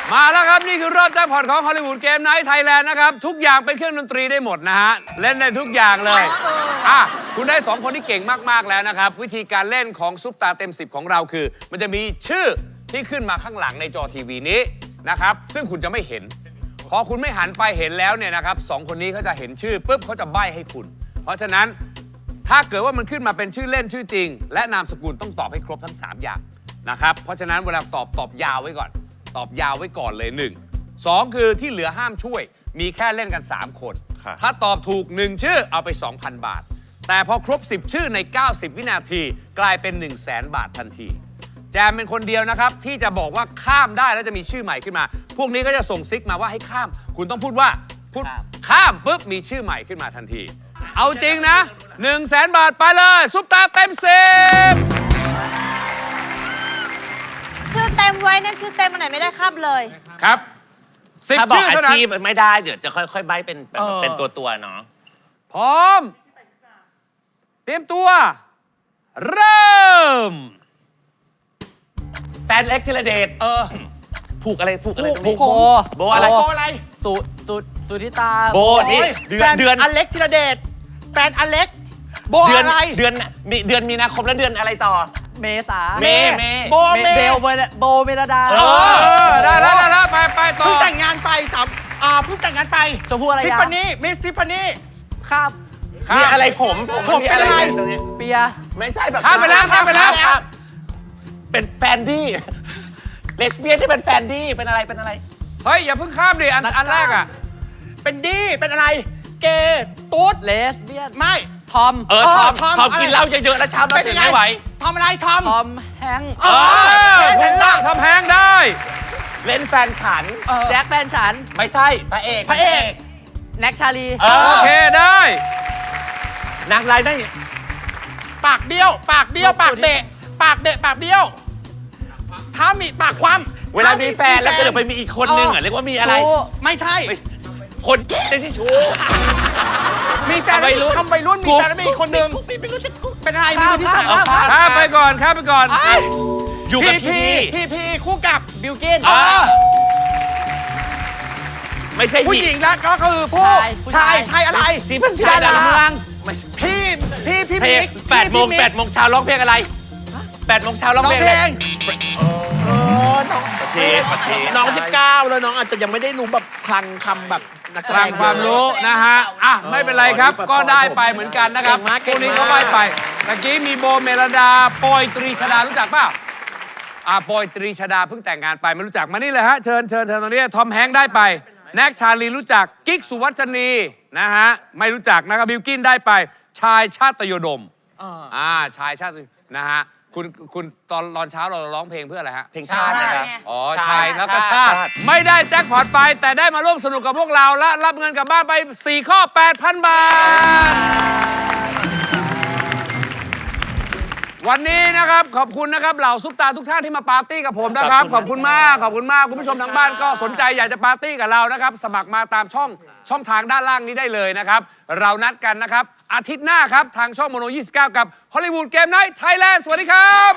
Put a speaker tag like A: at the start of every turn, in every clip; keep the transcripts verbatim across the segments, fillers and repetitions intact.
A: มาแล้วครับนี่คือรอบแจ็คพอตของฮอลลีวูดเกมไนท์ไทยแลนด์นะครับทุกอย่างเป็นเครื่องดนตรีได้หมดนะฮะเล่นได้ทุกอย่างเลยอ่ะคุณได้สองคนที่เก่งมากๆแล้วนะครับวิธีการเล่นของซุปตาเต็มสิบของเราคือ มันจะมีชื่อที่ขึ้นมาข้างหลังในจอทีวีนี้นะครับซึ่งคุณจะไม่เห็นพอคุณไม่หันไปเห็นแล้วเนี่ยนะครับสองคนนี้เขาจะเห็นชื่อปุ๊บเขาจะใบ้ให้คุณเพราะฉะนั้นถ้าเกิดว่ามันขึ้นมาเป็นชื่อเล่นชื่อจริงและนามสกุลต้องตอบให้ครบทั้งสามอย่างนะครับเพราะฉะนั้นเวลาตอบตอบยาวไว้ก่อนตอบยาวไว้ก่อนเลยหนึ่ง สองคือที่เหลือห้ามช่วยมีแค่เล่นกันสามคนถ้าตอบถูกหนึ่งชื่อเอาไป สองพัน บาทแต่พอครบสิบชื่อในเก้าสิบวินาทีกลายเป็น หนึ่งแสน บาททันทีแจมเป็นคนเดียวนะครับที่จะบอกว่าข้ามได้แล้วจะมีชื่อใหม่ขึ้นมาพวกนี้ก็จะส่งซิกมาว่าให้ข้ามคุณต้องพูดว่าพูดข้ามปุ๊บมีชื่อใหม่ขึ้นมาทันทีเอาจริงนะ หนึ่งแสน บาทไปเลยซุปตาเต็มสิบ
B: ชื่อเต็มไว้นั่นชื่อเต็มอันไหนไม่ได้ครับเลย
A: ครับสิบ
C: ถ้าบอก
A: ชื่อ
C: อา
A: เท่านั้น
C: ชีพไม่ได้เดี๋ยวจะค่อยๆใบเป็นเป็นเป็นตัวตัวๆเนาะ
A: พร้อมเตรียมตัวเริ่ม
C: แฟนเล็กธีรเดชเออผูกอะไรผูกอะไร
D: ผูกโบ
C: โบอะไรโบอะไร
D: สุสุสุธิตา
C: โบนี่เดือนเดือน
D: อเล็กธีรเดชแฟนอเล็กโบ
C: เดือน
D: อะไร
C: เดือนมีเดือนมีนาคมแล้วเดือนอะไรต่อ
D: เมษา
C: เมเม
D: โบเมเบลโบเมลดา
A: เออได้แล้วได้แล้วไปไปต่อ
D: เพิ่งแต่งงานไปสามอ่าเพิ่งแต่งงานไป
C: ชมพู่อะไร
D: ทิฟฟานี่มิสทิฟฟานี่
C: ข้ามมีอะไรผมผม
D: ผมเป็นอะไร
C: เปียไม่ใช่แบบ
A: ข้ามไปแล้วข้ามไปแล้ว
C: เป็นแฟนดี้เลสเบี้ยนที่เป็นแฟนดี้เป็นอะไรเป็นอะไร
A: เฮ้ยอย่าเพิ่งข้ามดิอันอันแรกอ่ะ
D: เป็นดี้เป็นอะไรเกย์ตุ๊ด
C: เลสเบี้ยน
D: ไม่
C: ทอมเออทอมทอมกินเหล้าเยอะๆแล้วเช้ามาตื่นไม่ไหว
D: ทอมอะไรทอม
C: ทอมแฮง
A: เออถูกต้องทอมแฮงได้
C: เล่นแฟนฉัน
D: แจ็คแฟนฉัน
C: ไม่ใช่พระเอก
D: พระเอก
C: แน็กชาลี
A: โอเคได้
C: นางรายได้
D: ปากเบี้ยวปากเบี้ยวปากเบะปากเบะปากเบี้ยวถ้ามีปากความ
C: เวลามีแฟนแล้วก็เดี๋ยวไปมีอีกคนนึงอ่ะเรียกว่ามีอะไร
D: ไม่ใช่
C: คนจะที่ชู
D: มีแฟนทำไปรุ่นมีแฟนแล้วมีอีกคนนึงเป็นอะไรมีคนที่สาม
A: ข้ามไปก่อนข้ามไปก่อน
C: อยู่กับพี่
D: พี่พี่คู่กับ
C: บิลกินไม่ใช่
D: ผู้หญิงแล้วก็คือผู้ชายชายอะไร
C: ที่เป็นชายดารา
D: พี่พี่พี่
C: เพลงแปดโมงแปดโมงเช้าร้องเพลงอะไรแปดโมงเช้าร้องเพลงอะไร
D: น้องสิบเก้าแล้วน้องอาจจะยังไม่ได้รู้แบบคลังคำแบบนักแสดง
A: ความรู้นะฮะอ่ะไม่เป็นไรครับก็ได้ไปเหมือนกันนะครับพวกนี้ก็ได้ไปเมื่อกี้มีโบเมลดาปอยตรีชดารู้จักเปล่าอ่าปอยตรีชดาเพิ่งแต่งงานไปไม่รู้จักมานี่เลยฮะเชิญเชิญเชิญตรงนี้ทอมแฮงค์ได้ไปแน็กชาลีรู้จักกิ๊กสุวัชนีนะฮะไม่รู้จักนะครับบิลกินได้ไปชายชาติโยดมอ่าชายชาตินะฮะคุณคุณตอนตอนเช้าเราร้องเพลงเพื่ออะไรฮะ
C: เพลงชาตินะครับ
A: อ๋อชายแล้วก็ชาติไม่ได้แจ็คพอตไปแต่ได้มาร่วมสนุกกับพวกเราและรับเงินกลับบ้านไปสี่ข้อ แปดพัน บาทวันนี้นะครับขอบคุณนะครับเหล่าซุปตาทุกท่านที่มาปาร์ตี้กับผมนะครับขอบคุณมากขอบคุณมากคุณผู้ชมทางบ้านก็สนใจอยากจะปาร์ตี้กับเรานะครับสมัครมาตามช่องช่องทางด้านล่างนี้ได้เลยนะครับเรานัดกันนะครับอาทิตย์หน้าครับทางช่องโมโนยี่สิบเก้ากับฮอลลีวูดเกมไนท์ไทยแลนด์สวัสดีครับ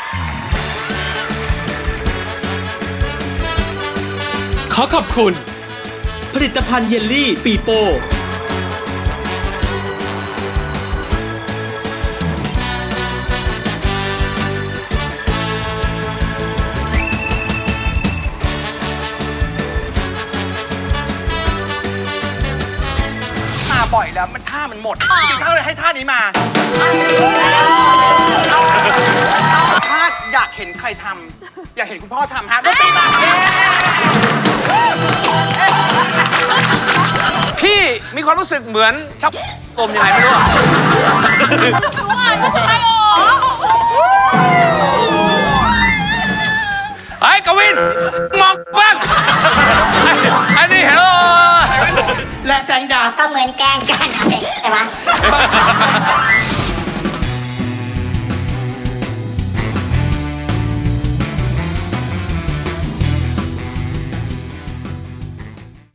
E: ขอขอบคุณผลิตภัณฑ์เยลลี่ปีโป้
D: บ่อยแล้วมันท่ามันหมดจริงๆเขาเลยให้ท่านี้มาถ้าอยากเห็นใครทำอยากเห็นคุณพ่อทำฮะดนตรีมา
A: พี่มีความรู้สึกเหมือนชักอมยังไงไม่รู้อ่ะ
B: รู้อ่านไม่ใช่หรอ
A: ไอ้กวินมองบ้างไอ้นี่เฮลโล
D: และแสงดาว
B: ก็เหมือนแกงกันใช่ไหม